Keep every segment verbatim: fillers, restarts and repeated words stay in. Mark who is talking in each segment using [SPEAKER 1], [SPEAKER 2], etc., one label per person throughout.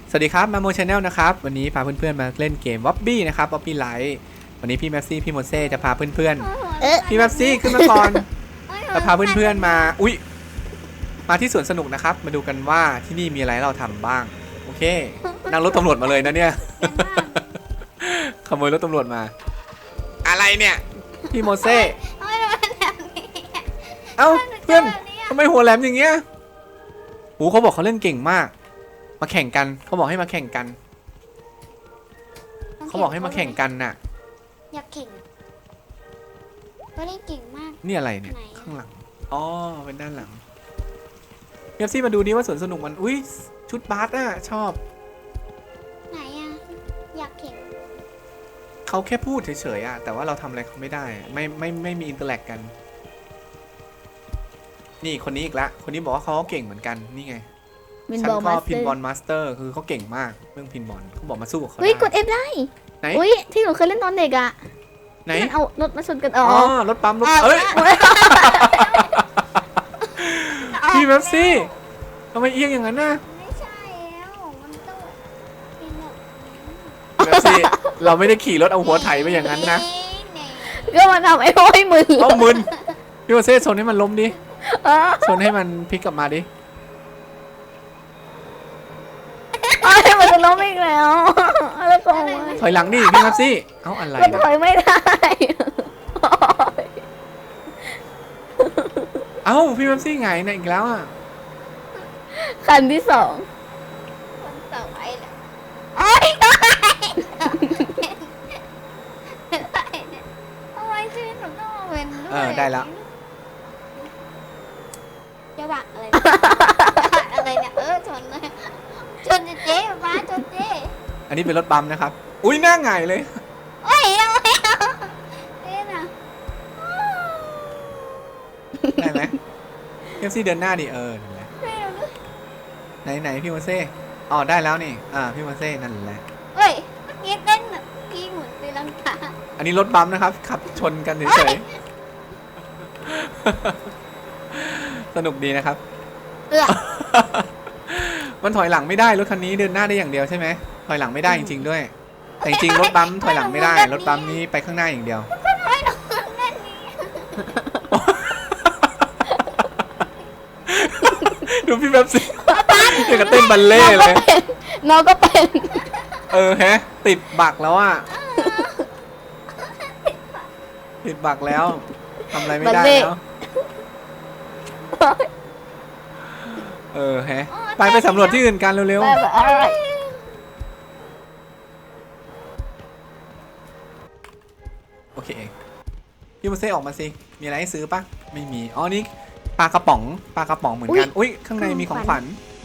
[SPEAKER 1] สวัสดีครับมาโมชาแนลนะครับวันนี้พาเพื่อนๆมาเล่นเกมวอบบี้นะครับวอบบี้ไลท์วันนี้พี่แม็กซี่พี่โมเซ่จะพาเพื่อนๆพี่แม็กซี่ขึ้นมาก่อนจะพาเพื่อนๆมาอุ๊ยมาที่สวนสนุกนะครับมาดูกันว่าที่นี่มีอะไรเราทำบ้างโอเคนั่งรถตำรวจมาเลยนะเนี่ยขโมยรถตำรวจมาอะไรเนี่ยพี่โมเซ่เอ้าเพื่อนทำไมหัวแหลมอย่างเงี้ยโอ้เขาบอกเขาเล่นเก่งมากมาแข่งกันเขาบอกให้มาแข่งกันเขาบอกให้มาแข่งกันน่ะ
[SPEAKER 2] อยากแข่งก็เล่นเก่งมาก
[SPEAKER 1] นี่อะไรเนี่ยข้างหลังอ๋อเป็นด้านหลังเอฟซี่มาดูดิว่าสวนสนุกมันอุ้ยชุดบาสอ่ะชอบ
[SPEAKER 2] ไหนอ่ะอยากแข่ง
[SPEAKER 1] เขาแค่พูดเฉยๆอ่ะแต่ว่าเราทำอะไรเขาไม่ได้ไม่ไม่ไม่มีอินเตอร์แลกกันนี่คนนี้อีกละคนนี้บอกว่าเขาเก่งเหมือนกันนี่ไงฉันก็พินบอลมาสเตอร์คือเขาเก่งมากเรื่องพินบอลเขาบอกมาสู้กับเขาได้
[SPEAKER 3] เฮ้ยกด F ได้
[SPEAKER 1] ไหน
[SPEAKER 3] อุ้ยที่หนูเคยเล่นตอนเด็กอะ
[SPEAKER 1] ไหน
[SPEAKER 3] เอารถมาชนกันอ๋อ
[SPEAKER 1] รถปั๊มรถเอ้ยพี่แม็กซี่ทำไมเอียงอย่างนั้นน่ะ
[SPEAKER 2] ไม่ใช่แล้วมันต้องเป็นแบบ
[SPEAKER 1] แม็กซี่เราไม่ได้ขี่รถเอาหัวไถไปอย่างนั้นนะ
[SPEAKER 3] ก็มาทำไอ้โอ้ยมึน
[SPEAKER 1] เอามึนพี่แม็กซี่ชนให้มันล้มดิชนให้มันพลิกกลับมาดิ
[SPEAKER 3] ให้มันจะล้มอีกแล้วแล้วก็
[SPEAKER 1] ถอยหลังดิพี่แม็กซี่เอ้าอะไร
[SPEAKER 3] มันถอยไม่ได้
[SPEAKER 1] เอ้าพี่แม็กซี่ไงเนี่ยอีกแล้วอ่ะ
[SPEAKER 3] คันที่สอง
[SPEAKER 2] คนต่อไปแหละ
[SPEAKER 3] ไอ้
[SPEAKER 2] ทำไมชีวิตหนูต้องมาเป็นด้วย
[SPEAKER 1] เออได้แล้ว
[SPEAKER 2] จะบักอะไรอะไรเนี่ยเออชนเลยชนเจ๊ป้าชนเจ๊
[SPEAKER 1] อันนี้เป็นรถบัมนะครับอุ้ยหน้าไงเลย
[SPEAKER 2] โอ้ยยังไม่เอาเจ๊น่ะ
[SPEAKER 1] ได้ไหมเอฟซีเดินหน้าดิเออไหนไหนพี่โมเซ่อ๋อได้แล้วนี่อ่าพี่โมเซ่นั่นแหละ
[SPEAKER 2] เฮ้ยเมื่อกี้เต้นแบบพี่หมุนตีลังกา
[SPEAKER 1] อันนี้รถบัมนะครับขับชนกันเฉยๆสนุกดีนะครับ
[SPEAKER 2] เออ
[SPEAKER 1] มันถอยหลังไม่ได้รถคันนี้เดินหน้าได้อย่างเดียวใช่ไหมถอยหลังไม่ได้จริงๆด้วยแต่จริงรถบัมถอยหลังไม่ได้รถบัมนี้ไปข้างหน้าอย่างเดียวดูพี่แบบสิเดี๋ยวก็เต้นบัลเล่เลย
[SPEAKER 3] น้องก็เป็น
[SPEAKER 1] เออฮะติดบักแล้วอ่ะติดบักแล้วทำอะไรไม่ได้แล้วเออฮะไปไปสำรวจที่อื่นกันเร็วๆโอเคพี่มาเซ่ออกมาสิมีอะไรให้ซื้อปะไม่มีอ๋อนี่ปลากระป๋องปลากระป๋องเหมือนกันอุ้ยข้างในมีของขวัญ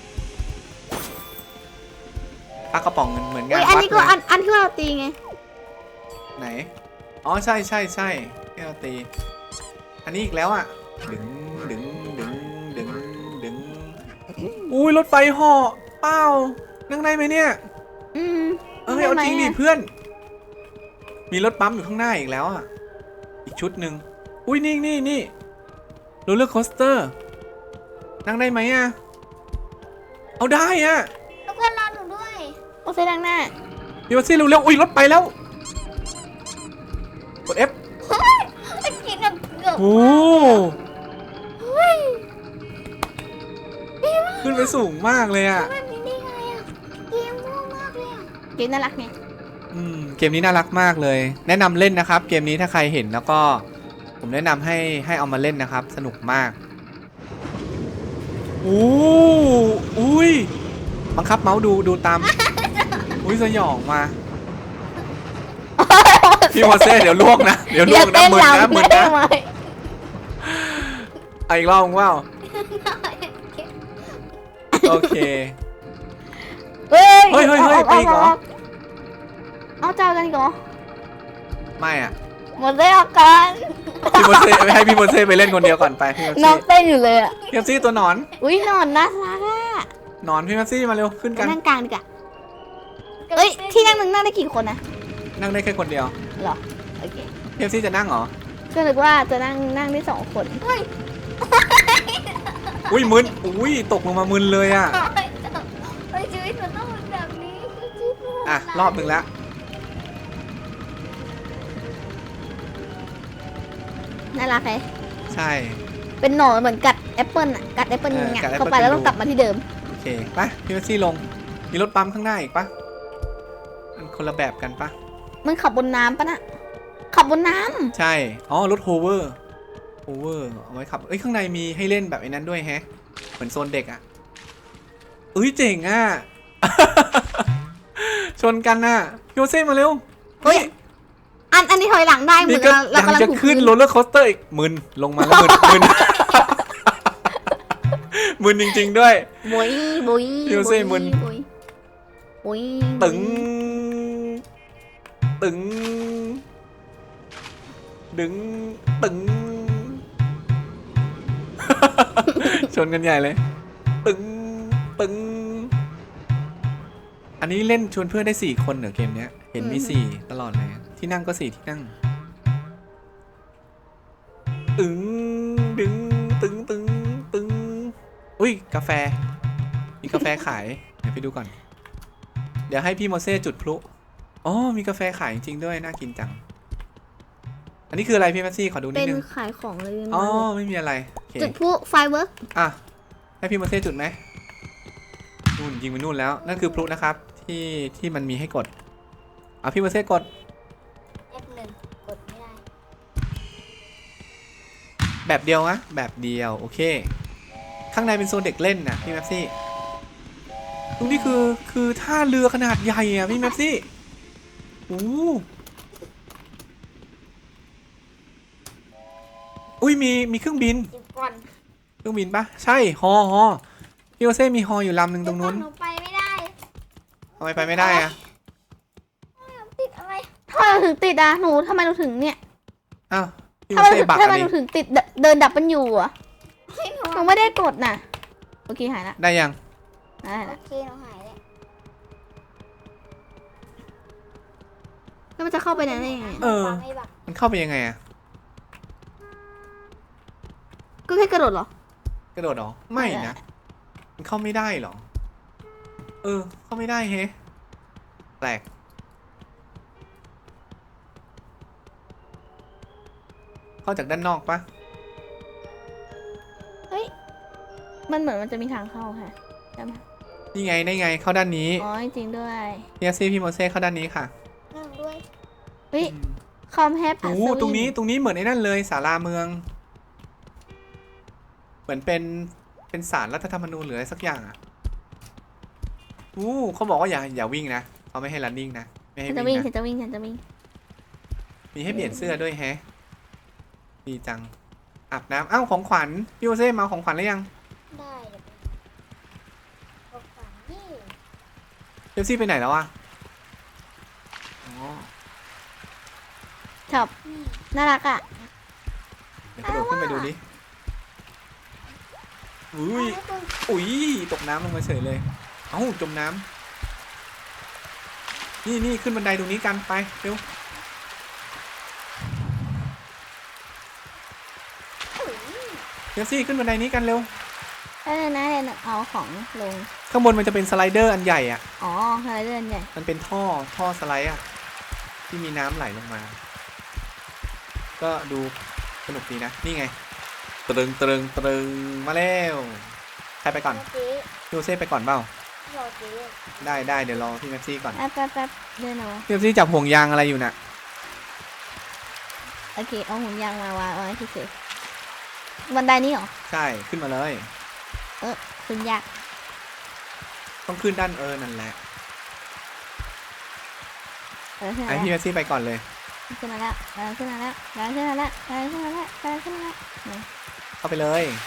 [SPEAKER 1] ปลากระป๋องเหมือนกัน
[SPEAKER 3] อันนี้ก็อันอันที่เราตีไง
[SPEAKER 1] ไหนอ๋อใช่ใช่ใช่ที่เราตีอันนี้อีกแล้วอ่ะดึงดึงดึงดึงดึงอุ้ยรถไฟห่อเป้านั่งได้ไหมเนี่ย
[SPEAKER 3] อืม
[SPEAKER 1] เออเอาจริงดิเพื่อนมีรถปั๊มอยู่ข้างหน้าอีกแล้วอ่ะอีกชุดหนึ่งอุ้ยนี่นี่นี่โรลเลอร์โคสเตอร์นั่งได้ไหมอ่ะเอาได้อ่ะ
[SPEAKER 2] ทุกคนรอหนูด้วย
[SPEAKER 3] โอเคดังหน้า
[SPEAKER 1] พี่วัซี่เร็วๆอุ้ยรถไปแล้วกด F
[SPEAKER 2] กินแบบเกือบ
[SPEAKER 1] โอ้ขึ้นไปสูงมากเลยอ่ะ
[SPEAKER 2] แบบนี้ได้ไงอ่ะเกมง่วงมากเลยอ่ะ
[SPEAKER 3] เกมน่ารักไง
[SPEAKER 1] อืมเกมนี้น่ารักมากเลยแนะนำเล่นนะครับเกมนี้ถ้าใครเห็นแล้วก็ผมแนะนำให้ให้เอามาเล่นนะครับสนุกมากโอ้อุ้ยบังคับเมาส์ดูดูตามอุ้ยสยองมาพี่โมเซ่เดี๋ยวล่วงนะเดี๋ยวล่วงนะมึนนะมึนนะเอาอีกรอบว่าโอเค
[SPEAKER 3] เฮ้ย
[SPEAKER 1] เฮ้ยเฮ้ยเฮ้ยไปอีกเหรอ
[SPEAKER 3] เอาเจ้ากันเหรอ
[SPEAKER 1] ไม่อ่ะ
[SPEAKER 3] หมดเลยอาการ
[SPEAKER 1] พี่โมเซ่ให้พี่โมเซ่ไปเล่นคนเดียวก่อนไปพี่โมเซ่
[SPEAKER 3] น้องเต้นอยู่เลยอ่ะ
[SPEAKER 1] พี่โมเซ่ตัวหนอน
[SPEAKER 3] อุ้ยหนอนน่ารักอ่ะ
[SPEAKER 1] หนอนพี่โมเซ่มาเร็วขึ้นกัน
[SPEAKER 3] นั่งกลางดีกว่าเฮ้ยที่นั่งนึงนั่งได้กี่คนนะ
[SPEAKER 1] นั่งได้แค่คนเดียว
[SPEAKER 3] เหรอโอเค
[SPEAKER 1] พี่โมเซ่จะนั่งเหรอ
[SPEAKER 3] ก็นึกว่าจะนั่งนั่งได้สองคน
[SPEAKER 1] อุ้ยมึนอุ้ยตกลงมามึนเลยอ่ะ
[SPEAKER 2] ชีวิตมันต้องเป็นแบบ
[SPEAKER 1] อ่ะรอบหนึ่งแล้ว
[SPEAKER 3] น่ารักไหม
[SPEAKER 1] ใช่
[SPEAKER 3] เป็นหนอนเหมือนกัดแอปเปิลอ่ะกัดแอปเปิล
[SPEAKER 1] เออ
[SPEAKER 3] เงี้ย
[SPEAKER 1] กัดแอปเปิ้ล
[SPEAKER 3] เข้าไปแล้วต้องกลับมาที่เดิม
[SPEAKER 1] โอเคไปพี่แม็กซี่ลงมีรถปั๊มข้างหน้าอีกปะมันคนละแบบกันปะ
[SPEAKER 3] มันขับบนน้ำปะน่ะขับบนน้
[SPEAKER 1] ใช่อ๋อรถโฮเวอร์โฮเวอร์เอาไว้ขับเอ้ยข้างในมีให้เล่นแบบไอ้นั้นด้วยแฮะเหมือนโซนเด็กอ่ะเอ้ยเจ๋งอ่ะ ชนกันน่ะพี่โอเซ่มาเร็ว
[SPEAKER 3] ำเฮ้ยอันอันนี้ถอยหลังได้เหมื
[SPEAKER 1] นี่
[SPEAKER 3] อน
[SPEAKER 1] ก็
[SPEAKER 3] เรา
[SPEAKER 1] ยัง
[SPEAKER 3] กำลัง
[SPEAKER 1] จะ
[SPEAKER 3] ถูก
[SPEAKER 1] ขึ้น
[SPEAKER 3] พื้น
[SPEAKER 1] โรลเลอร์โคสเตอร์อีกมึนลงมาแล้วมึน มึน มึนจริงๆด้วย
[SPEAKER 3] บุยบุย
[SPEAKER 1] พี่โอเซ่มึน
[SPEAKER 3] บุยบุย
[SPEAKER 1] ตึง ตึง ดึง ตึง ชนกันใหญ่เลย ตึง ตึง อันนี้เล่นชวนเพื่อนได้สี่คนเหรอเกมเนี้ย เห็นมีสี่ตลอดเลย ที่นั่งก็สี่ที่นั่ง ตึง ดึง ตึง ตึง ตึง อุ้ย กาแฟ มีกาแฟขาย เดี๋ยวไปดูก่อน เดี๋ยวให้พี่โมเซ่จุดพลุ อ๋อ มีกาแฟขายจริงๆด้วย น่ากินจัง อันนี้คืออะไรพี่แมสซี่ ขอดูนิ
[SPEAKER 3] เป็
[SPEAKER 1] ด
[SPEAKER 3] น
[SPEAKER 1] นึง
[SPEAKER 3] ขายของเลย
[SPEAKER 1] อ๋อ ไม่มีอะไรโอเค
[SPEAKER 3] จุดพลุไฟเวิร์ก
[SPEAKER 1] อ่ะ ให้พี่โมเซ่จุดไหมนู่นยิงไปนู่นแล้ว นั่นคือพลุนะครับ ที่ที่มันมีให้กดเอาพี่โมเซ่กด
[SPEAKER 2] เอฟหนึ่งกดไม่ได้
[SPEAKER 1] แบบเดียวนะแบบเดียว โอเค ข้างในเป็นโซนเด็กเล่นนะพี่แมปซี่ตรงนี้คือคือท่าเรือขนาดใหญ่อะพี่แมปซี่โอ้อุ้ยมีมีเครื่องบิน
[SPEAKER 2] จิบก่อน
[SPEAKER 1] เครื่องบินปะใช่ฮอฮอพี่โอเซ่มีฮออยู่ลำหนึ่งตรงนู้น
[SPEAKER 2] หนูไปไม่ได้
[SPEAKER 1] ทำไมไปไม่ได้อะ
[SPEAKER 2] ติดอะไร
[SPEAKER 3] ทำไมเราถึงติดอ่ะหนูทำไมเราถึงเนี่ย
[SPEAKER 1] อ้าวพี่
[SPEAKER 3] ทำ
[SPEAKER 1] โอ
[SPEAKER 3] ไม
[SPEAKER 1] เซ่บัก
[SPEAKER 3] ทำ
[SPEAKER 1] อะ
[SPEAKER 3] ไม
[SPEAKER 1] ดิ
[SPEAKER 3] เราถึงติดเดินเดินดับมันอยู่อ่ะ
[SPEAKER 2] ให้หนู
[SPEAKER 3] หนูไม่ได้กดน่ะโอเคหายละ
[SPEAKER 1] ได้ยัง
[SPEAKER 3] หาย
[SPEAKER 2] โอ
[SPEAKER 3] ละ
[SPEAKER 2] เคหนูหายแล้ว
[SPEAKER 3] แล้วมันจะเข้าไปไหนได้ยังไง
[SPEAKER 1] เออ
[SPEAKER 2] ไม่บัก
[SPEAKER 1] มันเข้าไปยังไงอะ
[SPEAKER 3] ก็แค่กระโดดเหรอก
[SPEAKER 1] ระโดดเหรอไม่นะมันเข้าไม่ได้เหรอเออเข้าไม่ได้เฮ้แปลกเข้าจากด้านนอกปะ
[SPEAKER 3] มันเหมือนมันจะมีทางเข้าค่ะใช่ไหม
[SPEAKER 1] นี่ไงได้ไงเข้าด้านนี้
[SPEAKER 3] อ๋อจริงๆด้วย
[SPEAKER 1] พี่อาซี่พี่โมเซ่เข้าด้านนี้ค่ะ
[SPEAKER 2] นั่งด้วย
[SPEAKER 3] เฮ้ยคอมแฮป
[SPEAKER 1] โอ้โหตรงนี้ตรงนี้เหมือนไอ้นั่นเลยศาลาเมือง เหมือนเป็นเป็นศาลรัฐธรรมนูญหรืออะไรสักอย่างอ่ะอู้เขาบอกว่าอย่าอย่าวิ่งนะเขาไม่ให้ running นะไม่ให้
[SPEAKER 3] ฉันจะวิ่
[SPEAKER 1] วิ่
[SPEAKER 3] ง
[SPEAKER 1] ง
[SPEAKER 3] ฉั
[SPEAKER 1] นะ
[SPEAKER 3] นจะวิ่งฉันจะวิ่ง
[SPEAKER 1] มีให้เปลี่ยนเสื้อด้วยแฮะดีจังอาบน้ำอ้าวของขวัญพี่โมเซ่มาเอาของขวัญหรือยัง
[SPEAKER 2] ได้เดี๋ยวไปบอกฝันนี่
[SPEAKER 1] เจฟซี่ไปไหนแล้วอ่ะอ๋อ
[SPEAKER 3] ชอบน่ารักอ่ะ
[SPEAKER 1] เดี๋ยวกระโดดขึ้นไปดูดิอุ้ย
[SPEAKER 2] ให้คุณ
[SPEAKER 1] อุ้ยตกน้ำลงมาเฉยเลยเอ้าจมน้ำนี่นี่ขึ้นบันไดตรงนี้กันไปเร็วเจฟซี่ขึ้นบันไดนี้กันเร็ว
[SPEAKER 3] แล้วเนี่ยนะเนี่ยเอาของลง
[SPEAKER 1] ข้างบนมันจะเป็นสไลเดอร์อันใหญ่อ่ะ
[SPEAKER 3] อ๋ออะไรเดินใหญ่
[SPEAKER 1] มันเป็นท่อท่อสไลด์อ่ะที่มีน้ำไหลลงมา ก็ดูสนุกดีนะนี่ไงตรึงตรึงตรึงมาแล้วใครไปก่อน
[SPEAKER 2] เมื่อกี้
[SPEAKER 1] พี่โอเซ่ไปก่อนเปล่าร
[SPEAKER 2] อเจ๊
[SPEAKER 1] ได้ได้เดี๋ยวรอพี่แม็กซี่ก่อน
[SPEAKER 3] แป๊บแป๊บแป๊บเดินเอา
[SPEAKER 1] พี่แม็กซี่จับห่วงยางอะไรอยู่น่ะ
[SPEAKER 3] โอเคเอาหุ่นยางมาวางเอาไว้ที่เฉยบันไดนี้เหรอ
[SPEAKER 1] ใช่ขึ้นมาเลย
[SPEAKER 3] ขึ้นยาก
[SPEAKER 1] ต้องขึ้นด้านเออนั่นแหละ
[SPEAKER 3] เออขึ้น
[SPEAKER 1] ไอ
[SPEAKER 3] มา
[SPEAKER 1] พี่
[SPEAKER 3] แล้ว
[SPEAKER 1] แม็กซี่ไปก่อนเลย
[SPEAKER 3] ขึ้นมาแล้วเออขึ้นมาแล้วเออขึ้นมาแล้วเออขึ้นมาแล้วเออขึ้นมาแล้ว
[SPEAKER 1] เข้าไปเลย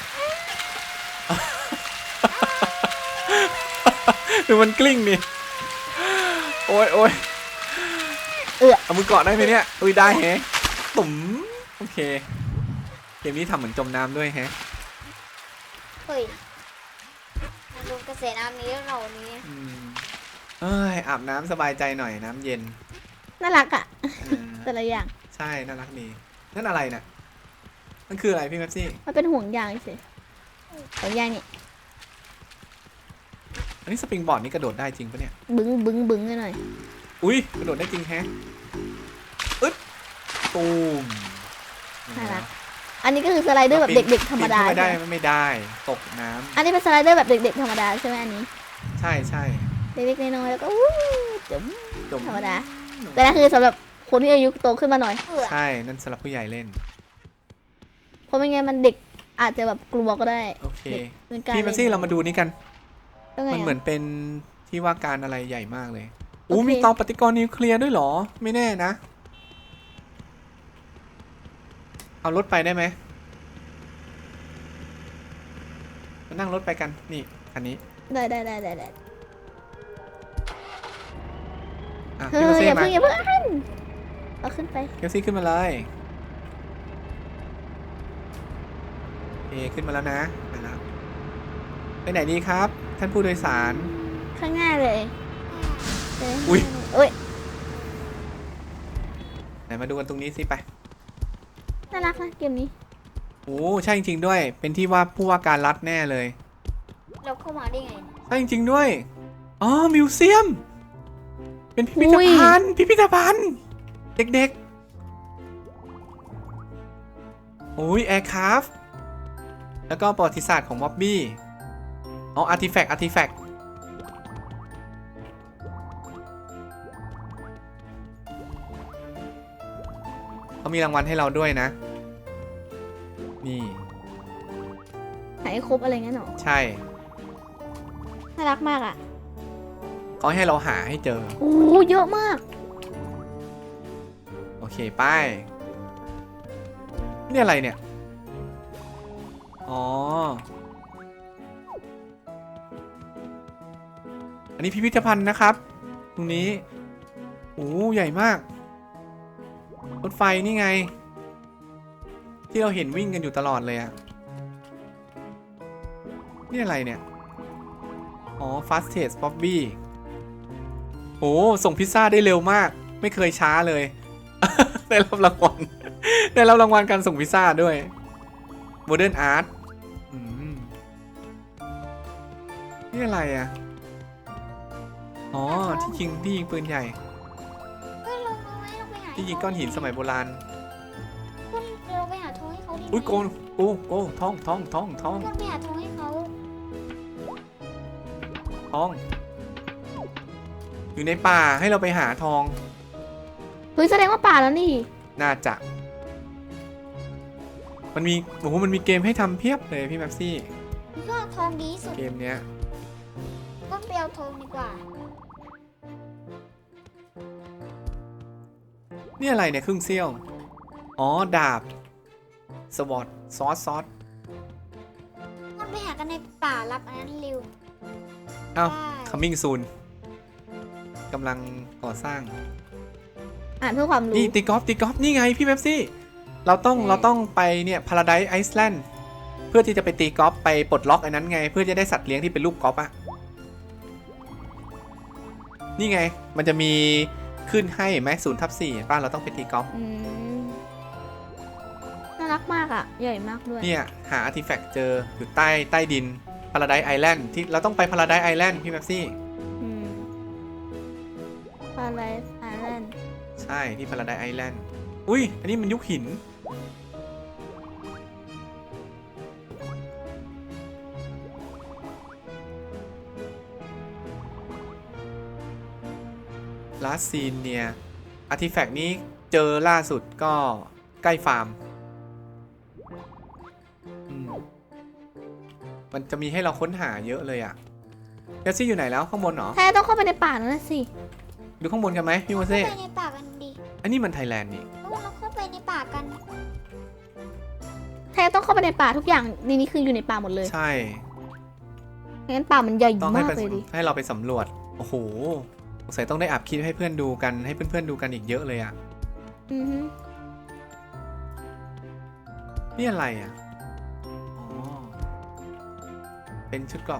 [SPEAKER 1] ดูมันกลิ้งดิโอ้ยโอ้ย
[SPEAKER 3] เอือ
[SPEAKER 1] เอามือเกาะได้ไหมเนี่ยอุ้ยได้แฮะตุ่มโอเคเกมนี้ทำเหมือนจมน้ำด้วยแฮะ
[SPEAKER 2] เฮ้ยมาดูกระแสน้ำนี้แล้วเรานี้
[SPEAKER 1] อืมเอ้ยอาบน้ำสบายใจหน่อยน้ำเย็น
[SPEAKER 3] น่ารักอ่ะ
[SPEAKER 1] เออ
[SPEAKER 3] แต่ละอย่าง
[SPEAKER 1] ใช่น่ารักดีนั่นอะไรนะนั่นคืออะไรพี่แม็กซี่
[SPEAKER 3] มันเป็นห่วงยางเฉยห่วงยางนี่
[SPEAKER 1] อันนี้สปริงบอร์ดนี่กระโดดได้จริงปะเนี่ย
[SPEAKER 3] บึ้งบึ้งบึ้งกันหน่อย
[SPEAKER 1] อุ้ยกระโดดได้จริงแฮะอึดตูม
[SPEAKER 3] น่ารักอันนี้ก็คือสไลเดอร์แบบเด็กๆธรรมดา
[SPEAKER 1] ไม่ได้
[SPEAKER 3] ใช่ไหม
[SPEAKER 1] ไม่ได้ตกน้ำ
[SPEAKER 3] อันนี้เป็นสไลเดอร์แบบเด็กๆธรรมดาใช่ไหมอันนี้
[SPEAKER 1] ใช่ใช่
[SPEAKER 3] เล็กๆน้อยๆแล้วก็วู้จุ๋ม
[SPEAKER 1] จม
[SPEAKER 3] ธรรมดา แต่นั่นคือสำหรับคนที่อายุโตขึ้นมาหน่อย
[SPEAKER 2] เอือ
[SPEAKER 1] ใช่นั่นสำหรับผู้ใหญ่เล่น
[SPEAKER 3] เพราะไม่งั้นมันเด็กอาจจะแบบกลัวก็ได้
[SPEAKER 1] โอเค
[SPEAKER 3] เป็นการ
[SPEAKER 1] พี่มาซี่เรามาดูนี่กัน
[SPEAKER 3] ก็ไง
[SPEAKER 1] มันเหมือน
[SPEAKER 3] อะ
[SPEAKER 1] เป็นที่ว่าการอะไรใหญ่มากเลย
[SPEAKER 3] โอ
[SPEAKER 1] อู้
[SPEAKER 3] เค
[SPEAKER 1] มีเตาปฏิกรณ์นิวเคลียร์ด้วยเหรอ ไม่แน่นะ เอารถไปได้ไหมมานั่งรถไปกัน นี่คันนี้
[SPEAKER 3] ได้ได้ได้ได้ได้
[SPEAKER 1] อ่ะ
[SPEAKER 3] เฮ้
[SPEAKER 1] พี่
[SPEAKER 3] ย
[SPEAKER 1] มาซี่
[SPEAKER 3] อย่า
[SPEAKER 1] มา
[SPEAKER 3] เพิ่งอย่าเพิ่งเอาขึ้นไป
[SPEAKER 1] พี่มาซี่ขึ้นมาเลยโอเคขึ้นมาแล้วนะไปแล้วไปไหนดีครับ ท่านผู้โดยสาร
[SPEAKER 3] ข้างหน้าเลยไป
[SPEAKER 1] อุ๊ย
[SPEAKER 3] โอ้ย
[SPEAKER 1] ไหนมาดูกันตรงนี้สิไป
[SPEAKER 3] น่ารักนะเกมนี้
[SPEAKER 1] โอ้ใช่จริงๆด้วย เป็นที่ว่าผู้ว่าการรัฐแน่เลย
[SPEAKER 2] เราเข้ามาได้ไง
[SPEAKER 1] ใช่จริงๆด้วย อ๋อ มิวเซียม เป็นพิพิธภัณฑ์ พิพิธภัณฑ์ เด็กๆ โอ้ยแอร์คราฟต์แล้วก็ประวัติศาสตร์ของม็อบบี้ อ๋อ อาร์ติแฟกต์ อาร์ติแฟกต์ เขามีรางวัลให้เราด้วยนะ นี่
[SPEAKER 3] หายครบอะไรงั้นหรอ
[SPEAKER 1] ใช่
[SPEAKER 3] น่ารักมากอ่ะ
[SPEAKER 1] เขาให้เราหาให้เจอ
[SPEAKER 3] โอ้เยอะมาก
[SPEAKER 1] โอเคไป้ายนี่อะไรเนี่ย อ๋อ อันนี้พิพิธภัณฑ์นะครับ ตรงนี้โอ้ใหญ่มาก รถไฟนี่ไง ที่เราเห็นวิ่งกันอยู่ตลอดเลยอะนี่อะไรเนี่ย อ๋อ Fastest Bobby โอ้ส่งพิซซ่าได้เร็วมาก ไม่เคยช้าเลย ได้รับรางวัล ได้รับรางวัลการส่งพิซซ่าด้วย Modern Art อืมนี่อะไรอ่ะ อ๋อ ที่ยิงที่ยิงปืนใหญ่
[SPEAKER 2] เฮ้ยเราเราไม่เราไปหา
[SPEAKER 1] ที่ยิงก้อนหินสมัยโบราณ
[SPEAKER 2] คุณเราไปหาทองให้เขาดิ
[SPEAKER 1] อุ้ยโกนโอ้โอ้ท้องท้องท้องท้อง
[SPEAKER 2] คุณไปหาทองให้เขา
[SPEAKER 1] ท้อง อยู่ในป่าให้เราไปหาทอง
[SPEAKER 3] เฮ้ยแสดงว่าป่าแล้วนี่
[SPEAKER 1] น่าจะ มันมีโอ้โหมันมีเกมให้ทำเพียบเลยพี่แม็ปซี่
[SPEAKER 2] ก็ทองดีที่สุด
[SPEAKER 1] เกมเนี้ย
[SPEAKER 2] ก็ไปเอาทองดีกว่า
[SPEAKER 1] นี่อะไรเนี่ยครึ่งเซี่ยว อ๋อ ดาบ สวอตซอสซอส
[SPEAKER 2] มันไปหากันในป่ารับอันนั้นเร็ว
[SPEAKER 1] เอ้า
[SPEAKER 2] ได้
[SPEAKER 1] coming soon กำลังก่อสร้าง
[SPEAKER 3] อ่านเพื่อความรู้
[SPEAKER 1] นี่ตีกอล์ฟตีกอล์ฟนี่ไงพี่แม็ปซี่ เราต้อง
[SPEAKER 3] ใช่
[SPEAKER 1] เราต้องไปเนี่ย Paradise Island เพื่อที่จะไปตีกอล์ฟไปปลดล็อกไอ้นั้นไง เพื่อจะได้สัตว์เลี้ยงที่เป็นรูปกอล์ฟอะนี่ไง มันจะมีขึ้นให้ไหมศูนย์ทับสี่ป้าเราต้องไปตีกอล์ฟ
[SPEAKER 3] อืมน่ารักมากอ่ะ ใหญ่มากด้วย
[SPEAKER 1] เนี่ยหาอาร์ติแฟกต์เจออยู่ใต้ใต้ดิน Paradise Island ที่เราต้องไป Paradise Island พี่แม็ปซี่
[SPEAKER 3] อืมปาไลส์ไอแลนด์
[SPEAKER 1] ใช่ที่ Paradise Island อุ้ยอันนี้มันยุคหิน ลาสซีนเนี่ยอาร์ติแฟกต์นี้เจอล่าสุดก็ใกล้ฟาร์มอืมมันจะมีให้เราค้นหาเยอะเลยอะเดซี่อยู่ไหนแล้วข้างบนเหรอ
[SPEAKER 3] แท้ต้องเข้าไปในป่านั่นนะสิ
[SPEAKER 1] ดูข้างบนกันไหมพี่โม
[SPEAKER 2] เข้า
[SPEAKER 1] เซ่
[SPEAKER 2] ไปในป่ากันดิ
[SPEAKER 1] อันนี้มันไทยแลนด์นี่
[SPEAKER 2] แล้วเราเข้าไปในป่ากัน
[SPEAKER 3] แท้ต้องเข้าไปในป่าทุกอย่างในนี้คืออยู่ในป่าหมดเลย
[SPEAKER 1] ใช่
[SPEAKER 3] งั้นป่ามันใหญ่
[SPEAKER 1] ต้องให้
[SPEAKER 3] มาก
[SPEAKER 1] ไป
[SPEAKER 3] เลยดิ
[SPEAKER 1] ให้เราไปสำรวจ โอ้โหสงสัยต้องได้อัพคลิปให้เพื่อนดูกันให้เพื่อนๆดูกันอีกเยอะเลยอะ
[SPEAKER 3] อือฮึ
[SPEAKER 1] นี่อะไรอะอ๋อเป็นชุดเกราะ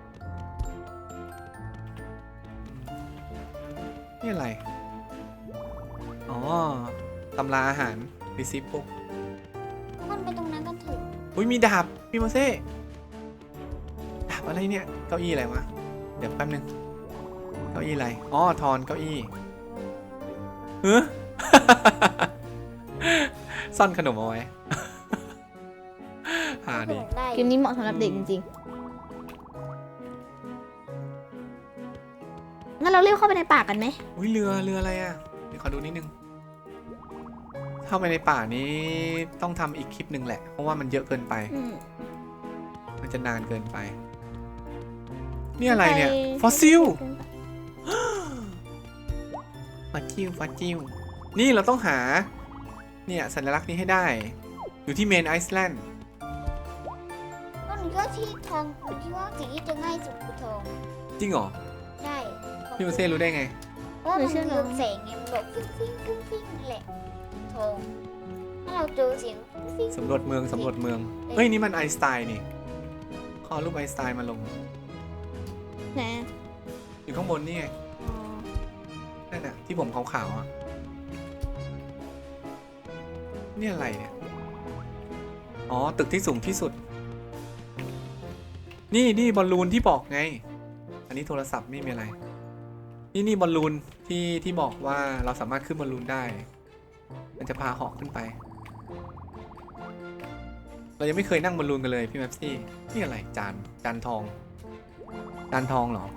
[SPEAKER 1] นี่อะไรอ๋อตำราอาหารรีซิปปุ๊ก
[SPEAKER 2] มันไปตรงนั้นกันเถอะ
[SPEAKER 1] อุ้ยมีดาบพี่โมเซ่ดาบอะไรเนี่ยเก้าอี้อะไรวะเดี๋ยวแป๊บนึงเก้าอี้อะไรอ๋อทอนเก้าอี้เฮ้อ ซ่อนขนมเอาไว้ หาดิ
[SPEAKER 2] ได้
[SPEAKER 3] เกมนี้เหมาะสำหรับเด็กจริงๆงั้นเราเรียกเข้าไปในป่ากันไหม
[SPEAKER 1] อุ้ยเรือเรืออะไรอ่ะเดี๋ยวขอดูนิดนึงเข้าไปในป่านี้ต้องทำอีกคลิปหนึ่งแหละเพราะว่ามันเยอะเกินไป
[SPEAKER 3] อืม
[SPEAKER 1] มันจะนานเกินไปนี่อะไรเนี่ยฟอสซิล ฟอสซิลฟอสซิลนี่เราต้องหาเนี่ยสัญลักษณ์นี้ให้ได้อยู่ที่เมนไอซ์แลนด์
[SPEAKER 2] ก็หนูว่าที่ทองหนูคิดว่าสิ่งที่จะง่ายสุดคือทอง
[SPEAKER 1] จริงเหรอ
[SPEAKER 2] ใช่
[SPEAKER 1] พี่โมเซ่รู้ได้ไง
[SPEAKER 2] เพราะว่ามันเรืองแสงไงมันแบบฟิ้งฟิ้งฟิ้งฟิ้งนี่แหละทองถ้าเราเจอเสียงฟิ้ง
[SPEAKER 1] สำรวจเมืองสำรวจเมืองเฮ้ยนี่มันไอน์สไตน์นี่ขอรูปไอน์สไตน์มาลง
[SPEAKER 3] ไหน
[SPEAKER 1] อยู่ข้างบนนี่ไง
[SPEAKER 3] อ๋อ
[SPEAKER 1] นั่นน่ะที่ผมขาวๆอ่ะนี่อะไรเนี่ยอ๋อตึกที่สูงที่สุดนี่นี่บอลลูนที่บอกไงอันนี้โทรศัพท์ไม่มีอะไรนี่นี่บอลลูนที่ที่บอกว่าเราสามารถขึ้นบอลลูนได้มันจะพาเหาะขึ้นไปเรายังไม่เคยนั่งบอลลูนกันเลยพี่แม็ปซี่นี่อะไรจานจานทองจานทองเหรอ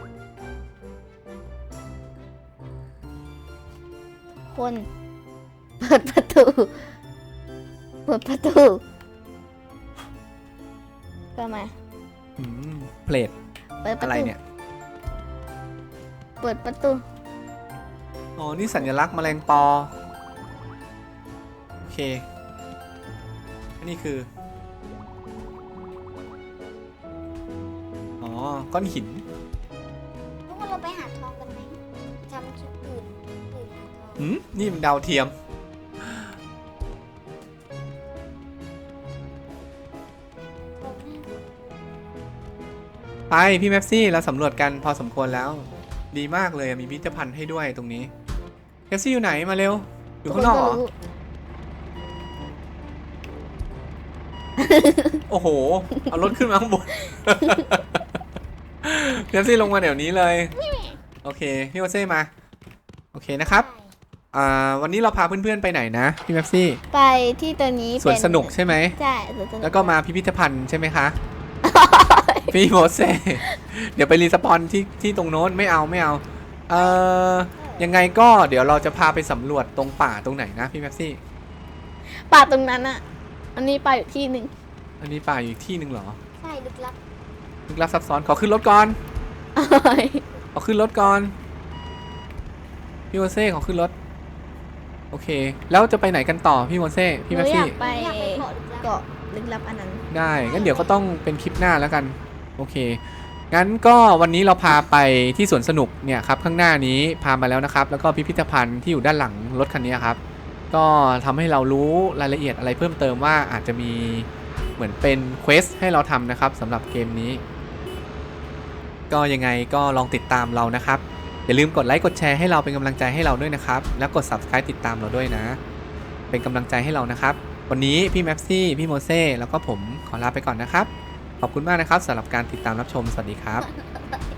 [SPEAKER 3] คนเปิดประตูเปิดประตูก็มา
[SPEAKER 1] อืมเพลท
[SPEAKER 3] เปิดประ
[SPEAKER 1] อะไร
[SPEAKER 3] ตู
[SPEAKER 1] เนี่ย
[SPEAKER 3] เปิดประตู
[SPEAKER 1] อ๋อ นี่สัญลักษณ์แมลงปอ โอเค อันนี้คือ อ๋อ ก้อนหิน
[SPEAKER 2] ทุกคนเราไปหาทองกันไหมทำคลิปอื่นอื่นหาทอง
[SPEAKER 1] หืม นี่มันดาวเทียม
[SPEAKER 2] ทองหน้า
[SPEAKER 1] ไป พี่แม็ปซี่เราสำรวจกันพอสมควรแล้ว ดีมากเลยมีพิพิธภัณฑ์ให้ด้วยตรงนี้แม็ปซี่อยู่ไหนมาเร็ว อยู่ข้างนอกเหรอ โอ้โห เอารถขึ้นมาข้างบน แม็ปซี่ลงมาเดี๋ยวนี้เลย โอเค พี่โอเซ่มา โอเคนะครับ อ่า วันนี้เราพาเพื่อนๆไปไหนนะพี่แม็ปซี่
[SPEAKER 3] ไปที่ตัวนี้
[SPEAKER 1] สวนสนุกใช่ไหม
[SPEAKER 3] ใช่สวนสนุก
[SPEAKER 1] แล้วก็มาพิพิธภัณฑ์ใช่ไหมคะ พี่โมเซ่ เดี๋ยวไปรีสปอนที่ที่ตรงโน้นไม่เอาไม่เอา เอ่อ ยังไงก็เดี๋ยวเราจะพาไปสำรวจตรงป่าตรงไหนนะพี่แม็ปซี่
[SPEAKER 3] ป่าตรงนั้นอะอันนี้ป่าอยู่ที่หนึ่ง
[SPEAKER 1] อันนี้ป่าอยู่อีกที่หนึ่งเหรอ
[SPEAKER 2] ใช่ลึกลับ
[SPEAKER 1] ลึกลับซับซ้อน ขอขึ้นรถก่อน ขอขึ้นรถก่อน พี่โมเซ่ขอขึ้นรถ โอเค แล้วจะไปไหนกันต่อพี่โมเซ่พี่
[SPEAKER 3] ห
[SPEAKER 1] แม็
[SPEAKER 3] นู
[SPEAKER 1] ป
[SPEAKER 3] อยา
[SPEAKER 1] ซี่
[SPEAKER 3] กไป
[SPEAKER 2] อยากไปเกาะลึกลับ
[SPEAKER 3] เกาะลึกลับอันนั้น
[SPEAKER 1] ได้ งั้นเดี๋ยวก็ต้องเป็นคลิปหน้าแล้วกัน โอเค งั้นก็วันนี้เราพาไปที่สวนสนุกเนี่ยครับข้างหน้านี้พามาแล้วนะครับ แล้วก็พิพิธภัณฑ์ที่อยู่ด้านหลังรถคันนี้ครับ ก็ทำให้เรารู้รายละเอียดอะไรเพิ่มเติมว่าอาจจะมีเหมือนเป็นเควสให้เราทำนะครับสำหรับเกมนี้ ก็ยังไงก็ลองติดตามเรานะครับ อย่าลืมกดไลค์กดแชร์ให้เราเป็นกำลังใจให้เราด้วยนะครับ แล้วกด ซับสไครบ์ ติดตามเราด้วยนะ เป็นกำลังใจให้เรานะครับ วันนี้พี่แม็ปซี่ พี่โมเซ่ แล้วก็ผมขอลาไปก่อนนะครับ ขอบคุณมากนะครับสำหรับการติดตามรับชม สวัสดีครับ